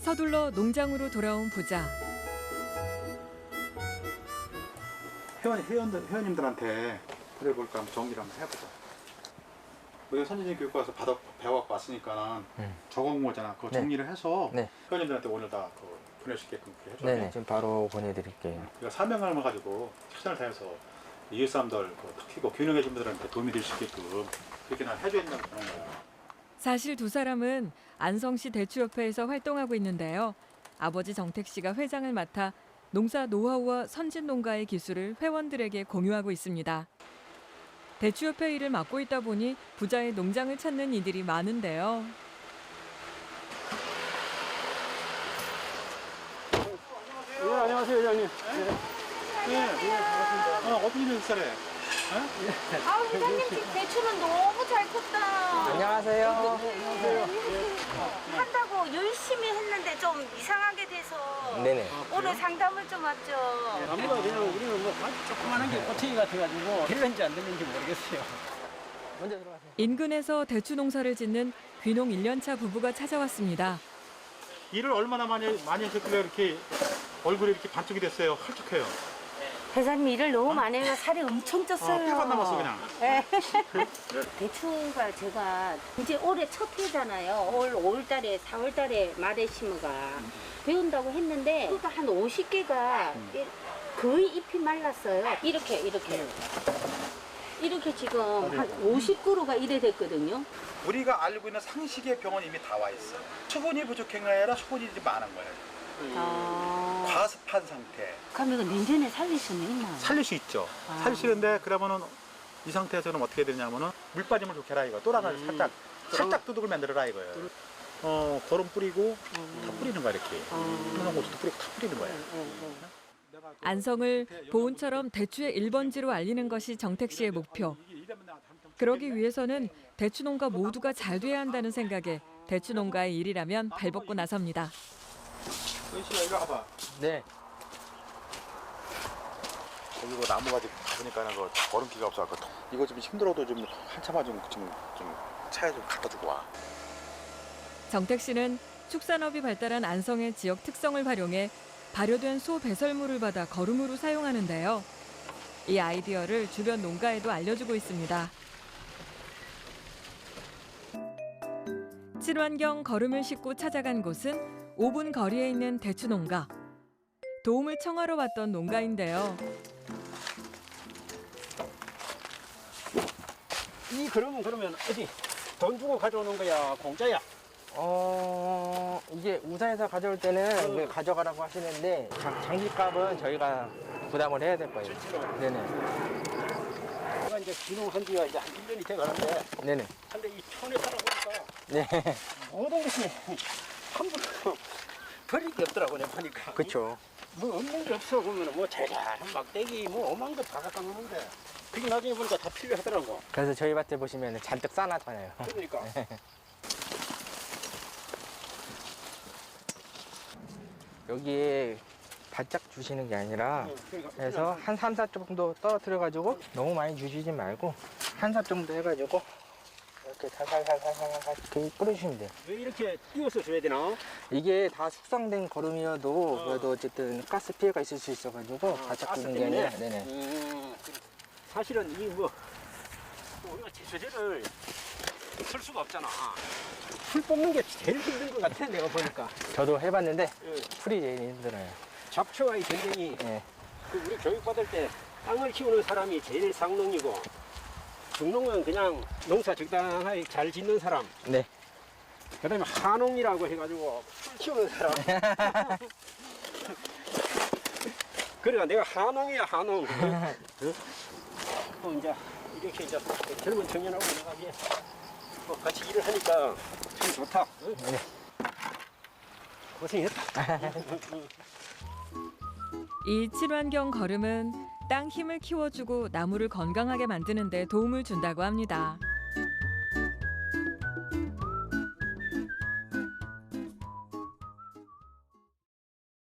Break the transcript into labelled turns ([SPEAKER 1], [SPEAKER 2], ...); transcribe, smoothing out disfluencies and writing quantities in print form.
[SPEAKER 1] 서둘러 농장으로 돌아온 부자.
[SPEAKER 2] 회원님들한테 그래볼까 한번 정리를 한번 해보자. 우리가 선진적 교육과에서 배워갖고 왔으니까 적어온 거잖아. 그거 정리를 해서
[SPEAKER 3] 네.
[SPEAKER 2] 회원님들한테 오늘 다 보낼 수 있게끔 그렇게 해줘야
[SPEAKER 3] 네네.
[SPEAKER 2] 돼.
[SPEAKER 3] 지금 바로 보내드릴게요.
[SPEAKER 2] 우리가 사명감을 가지고 최선을 다해서 이웃 사람들 특히 균형해준 분들한테 도움이 될 수 있게끔 그렇게 난 해줘야 된다고 보는 거야.
[SPEAKER 1] 사실 두 사람은 안성시 대추협회에서 활동하고 있는데요. 아버지 정택 씨가 회장을 맡아 농사 노하우와 선진 농가의 기술을 회원들에게 공유하고 있습니다. 대추협회 일을 맡고 있다 보니 부자의 농장을 찾는 이들이 많은데요.
[SPEAKER 4] 네, 안녕하세요, 회장님.
[SPEAKER 2] 네, 반갑습니다. 어떤 일을 살해?
[SPEAKER 5] 아우 회장님 집 대추는 너무 잘 컸다.
[SPEAKER 3] 안녕하세요.
[SPEAKER 5] 한다고 열심히 했는데 좀 이상하게 돼서
[SPEAKER 3] 네네.
[SPEAKER 5] 오늘 상담을 좀 왔죠.
[SPEAKER 4] 아무도 그냥 우리는 뭐 조그만한 게 꼬챙이 같아가지고 될는지 안 될는지 모르겠어요. 먼저 들어가세요.
[SPEAKER 1] 인근에서 대추 농사를 짓는 귀농 1년차 부부가 찾아왔습니다.
[SPEAKER 2] 일을 얼마나 많이 하셨길래 이렇게 얼굴이 이렇게 반쪽이 됐어요? 헐쭉해요.
[SPEAKER 5] 회장님 일을 너무 많이 해서 살이 엄청 쪘어요.
[SPEAKER 2] 뼈가 남았어 그냥.
[SPEAKER 5] 네. 대추가 제가 이제 올해 첫 해잖아요. 올 5월달에 4월달에 말에 심어가 배운다고 했는데 그러니까 한 50개가 거의 잎이 말랐어요. 이렇게 지금 한 50그루가 이래 됐거든요.
[SPEAKER 2] 우리가 알고 있는 상식의 병은 이미 다 와 있어. 수분이 부족한 게 아니라 수분이 좀 많은 거예요. 과습한 상태.
[SPEAKER 5] 그럼 이거 내년에 살릴 수는 있나요?
[SPEAKER 2] 살릴 수 있죠. 살릴 수 있는데 그러면은 이 상태에서는 어떻게 되냐면은 물 빠짐을 좋게 해라 이거. 또랑을 살짝 두둑을 만들어라 이거예요. 거름 뿌리고 다 뿌리는 거야 이렇게. 그런 고추도 뿌리고 다 뿌리는 거야.
[SPEAKER 1] 안성을 보은처럼 대추의 1번지로 알리는 것이 정택 씨의 목표. 그러기 위해서는 대추 농가 모두가 잘 돼야 한다는 생각에 대추 농가의 일이라면 발벗고 나섭니다.
[SPEAKER 2] 은씨야 이리 와봐.
[SPEAKER 3] 네.
[SPEAKER 2] 여기 그 나무가 지금 가보니까는 그 거름기가 없어갖고 이거 좀 힘들어도 좀 한참만 좀 차에 좀 갖다 주고 와.
[SPEAKER 1] 정택 씨는 축산업이 발달한 안성의 지역 특성을 활용해 발효된 소 배설물을 받아 거름으로 사용하는데요. 이 아이디어를 주변 농가에도 알려주고 있습니다. 친환경 거름을 싣고 찾아간 곳은 5분 거리에 있는 대추 농가. 도움을 청하러 왔던 농가인데요.
[SPEAKER 4] 이 그러면 어디 돈 주고 가져오는 거야, 공짜야?
[SPEAKER 3] 이게 우산에서 가져올 때는 이게 가져가라고 하시는데 장기값은 저희가 부담을 해야 될 거예요. 네네.
[SPEAKER 4] 내가 이제 귀농한 지가 이제 한 1년이 돼 가는데
[SPEAKER 3] 네네.
[SPEAKER 4] 근데 이 촌에 살아보니까
[SPEAKER 3] 네.
[SPEAKER 4] 모든 것이 함부로 버릴 게 없더라고 내가 보니까.
[SPEAKER 3] 그렇죠.
[SPEAKER 4] 뭐 없는 게 없어 보면 뭐 자잘한 막대기 뭐 오만 거 다 갖다 놓는데 그게 나중에 보니까 다 필요하더라고.
[SPEAKER 3] 그래서 저희 밭에 보시면 잔뜩 싸놨잖아요.
[SPEAKER 4] 그러니까.
[SPEAKER 3] 여기에 바짝 주시는 게 아니라
[SPEAKER 4] 그러니까
[SPEAKER 3] 해서 한 3, 4 정도 떨어뜨려가지고 너무 많이 주시지 말고 한 4 정도 해가지고 이렇게 살살살살살살 이렇게 뿌려주시면 돼요.
[SPEAKER 4] 왜 이렇게 띄워서 줘야 되나?
[SPEAKER 3] 이게 다 숙성된 거름이어도 그래도 어쨌든 가스 피해가 있을 수 있어가지고 바짝 주는 게 아니라 네네.
[SPEAKER 4] 사실은 이 뭐 우리가 제초제를 쓸 수가 없잖아. 풀 뽑는 게 제일 힘든 것 같아 내가 보니까.
[SPEAKER 3] 저도 해봤는데
[SPEAKER 4] 예.
[SPEAKER 3] 풀이 제일 힘들어요.
[SPEAKER 4] 잡초와의 전쟁이
[SPEAKER 3] 네.
[SPEAKER 4] 우리 교육받을 때 땅을 키우는 사람이 제일 상농이고 중농은 그냥 농사 적당하게 잘 짓는 사람.
[SPEAKER 3] 네.
[SPEAKER 4] 그다음에 한농이라고 해가지고 풀 키우는 사람. 그러니까 내가 한농이야 한농. 이제 이렇게 이제 젊은 청년하고 내가 이제 뭐 같이 일을 하니까 참 좋다.
[SPEAKER 3] 네.
[SPEAKER 4] 고생했다.
[SPEAKER 1] 이 친환경 거름은 땅 힘을 키워주고 나무를 건강하게 만드는 데 도움을 준다고 합니다.